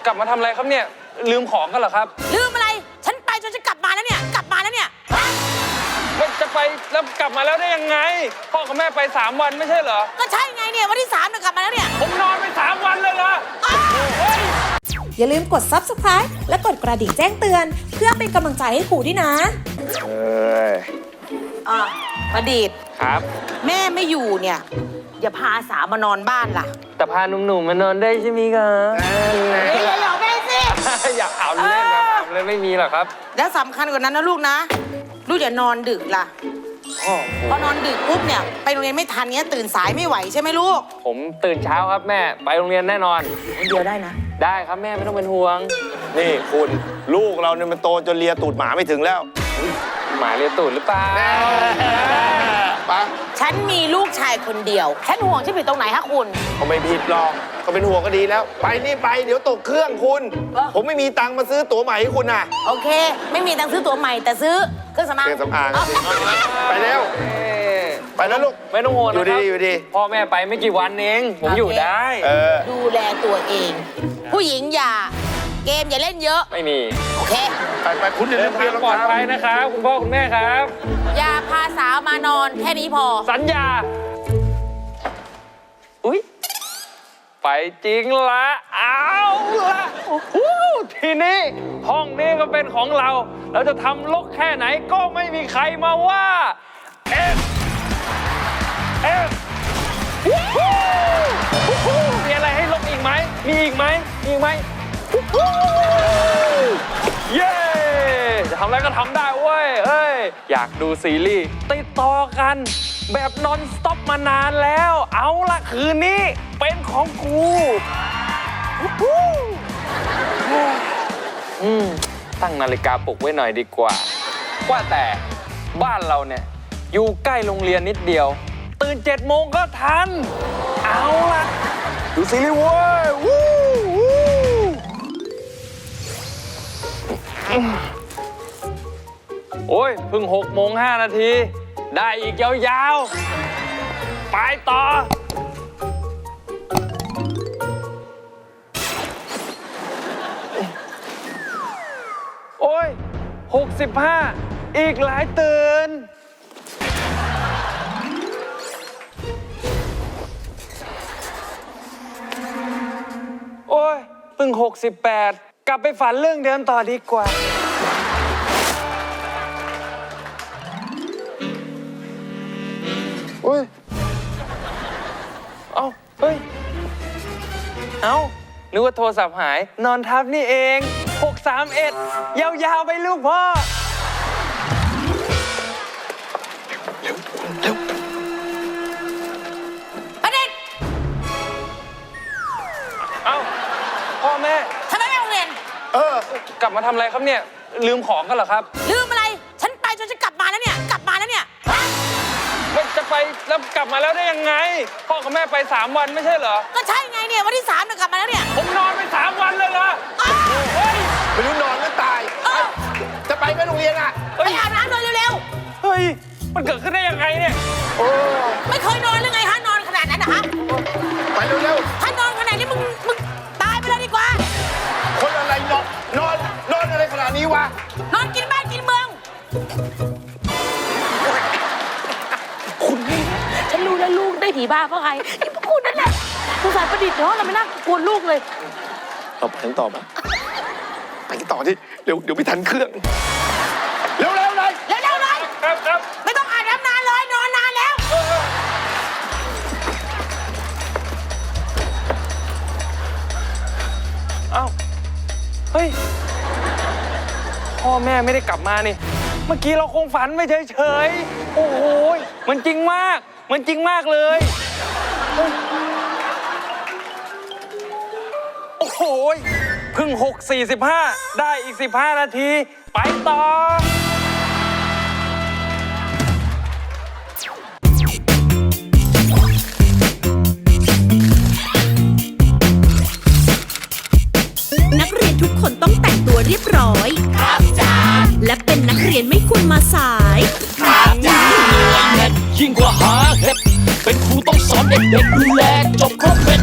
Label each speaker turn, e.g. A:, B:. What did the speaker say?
A: ลับมาทำอะไรครับเนี่ยลืมของกันเหรอครับ
B: ลืมอะไรฉันไปจนจะกลับมาแล้วเนี่ย
A: มันจะไปแล้วกลับมาแล้วได้ยังไงพ่อกับแม่ไป3 วันไม่ใช่เหรอ
B: ก็ใช่ไงเนี่ยวันที่3เนี่ยกลับมาแล้วเนี่ย
A: ผมนอนไป3 วันเลยเหรอ
C: อย่าลืมกด Subscribe และกดกระดิ่งแจ้งเตือนเพื่อเป็นกำลังใจให้ครูด้วยนะ
B: ประดิษฐ์
A: ครับ
B: แม่ไม่อยู่เนี่ยอย่าพาสาวมานอนบ้านล่ะ
A: แต่พาหนุ่มๆมานอนได้ใช่ไหมครับ
B: อย่าหยอกแม่สิ
A: อยากเอาเล่นนะเลยไม่มีหรอกครับ
B: แล้วสำคัญกว่านั้นนะลูกนะลูกอย่านอนดึกล่ะพอนอนดึกปุ๊บเนี่ยไปโรงเรียนไม่ทันเนี้ยตื่นสายไม่ไหวใช่ไหมลูก
A: ผมตื่นเช้าครับแม่ไปโรงเรียนแน่นอน
B: คนเดียวได้นะ
A: ได้ครับแม่ไม่ต้องเป็นห่วง
D: นี่คุณลูกเราเนี่ยมันโตจนเลียตูดหมาไม่ถึงแล้ว
A: หมาเลียตูดหรือเปล่า
D: ปะ
B: ฉันมีลูกชายคนเดียวฉันห่วงฉันผิดตรงไหนฮะคุณ
D: เขาไม่ผิดหรอกเขาเป็นห่วงก็ดีแล้วไปนี่ไปเดี๋ยวตกเครื่องคุณผมไม่มีตังค์มาซื้อตั๋วใหม่ให้คุณน่ะ
B: โอเคไม่มีตังค์ซื้อตั๋วใหม่แต่ซื้อเครื่องสำอาง
D: ไปเร็วไปแล้วลูก
A: ไม่ต้องห่วงนะครับ
D: อยู่ดี
A: พ่อแม่ไปไม่กี่วันเองผมอยู่ได้
B: ดูแลตัวเองผู้หญิงอย่าเกมอย่าเล่นเยอะ
A: ไม่มี
B: โอเค
D: ไปคุณเดินทาง
A: ปลอดภัยนะครับคุณพ่อคุณแม่ครับ
B: อย่าพาสาวมานอนแค่นี้พอ
A: สัญญาอุ๊ยไปจริงละเอาละทีนี้ห้องนี้ก็เป็นของเราเราจะทำลกแค่ไหนก็ไม่มีใครมาว่าเอฟมีอะไรให้ลกอีกไหมมีอีกไหมเย้จะทำอะไรก็ทำได้เว้ยเฮ้ยอยากดูซีรีส์ติดต่อกันแบบนอนสต็อปมานานแล้วเอาละคืนนี้เป็นของกูตั้งนาฬิกาปลุกไว้หน่อยดีกว่าว่าแต่บ้านเราเนี่ยอยู่ใกล้โรงเรียนนิดเดียวตื่น7 โมงก็ทันเอาละดูซีรีส์เว้ยโอ้ยเพิ่ง6:05 ได้อีกยาวๆไปต่อโอ้ย65อีกหลายตื่นโอ้ยเพิ่ง68กลับไปฝันเรื่องเดิมต่อดีกว่าเฮ้ยนึกว่าโทรศัพท์หายนอนทับนี่เอง631ยาวๆไปลูกพ่อเร็ว
B: ประเด็น
A: พ่อแม่
B: ทำไมไม่โรงเรียน
A: กลับมาทำอะไรครับเนี่ยลืมของกันเหรอครับ
B: ลืมอะไรฉันไปจนจะกลับมาแล้วเนี่ย
A: มันจะไปแล้วกลับมาแล้วได้ยังไงพ่อกับแม่ไป3 วันไม่ใช่เหรอ
B: ก็ใช่ไงเนี่ยวันที่3เนี่ยกลับมาแล้วเนี่ย
A: ผมนอนไป3 วันเลยเหรอ
D: ไม่รู้นอนหรือตายจะไปไม่โรงเรียนอ่ะ
B: ไปอาบน้ำเลยเร็ว
A: เฮ้ยมันเกิดขึ้นได้ยังไงเนี่ย
B: ไม่เคยนอนหรือไงฮะนอนขนาดนั้นนะฮะ
D: ไปเร็ว
B: ถ้านอนขนาดนี้มึงตายไปเลยดีกว่า
D: คนอะไรนอนอะไรขนาดนี้วะ
B: นอนกินบ้านกินเมืองคุณนี่ฉันรู้แล้วลูกได้ผีบ้าเพราะใครนี่พวกคุณนั่นแหละสงสารประดิษฐ์เนาะเราไม่น่ากลัวลูกเลย
D: เราไปต่อไหมไปต่อที่เดี๋ยวไม่ทันเครื่องเร็วเลย
A: ครับ
B: ไม่ต้องอาบน้ำนานเลยนอนนานแล้ว
A: เฮ้ยพ่อแม่ไม่ได้กลับมานี่เมื่อกี้เราคงฝันไม่เฉยๆโอ้โหมันจริงมากเลยโอ้โหเพิ่ง6:45ได้อีก15 นาทีไปต่อ
C: นักเรียนทุกคนต้องแต่งตัวเรียบร้อยครับจ้าและเป็นนักเรียนไม่ควรมาสายครับจ้า
E: ยิ่งกว่าหาเห็ดเป็นครูต้องสอนเด็กๆดูแลจบครบเป็น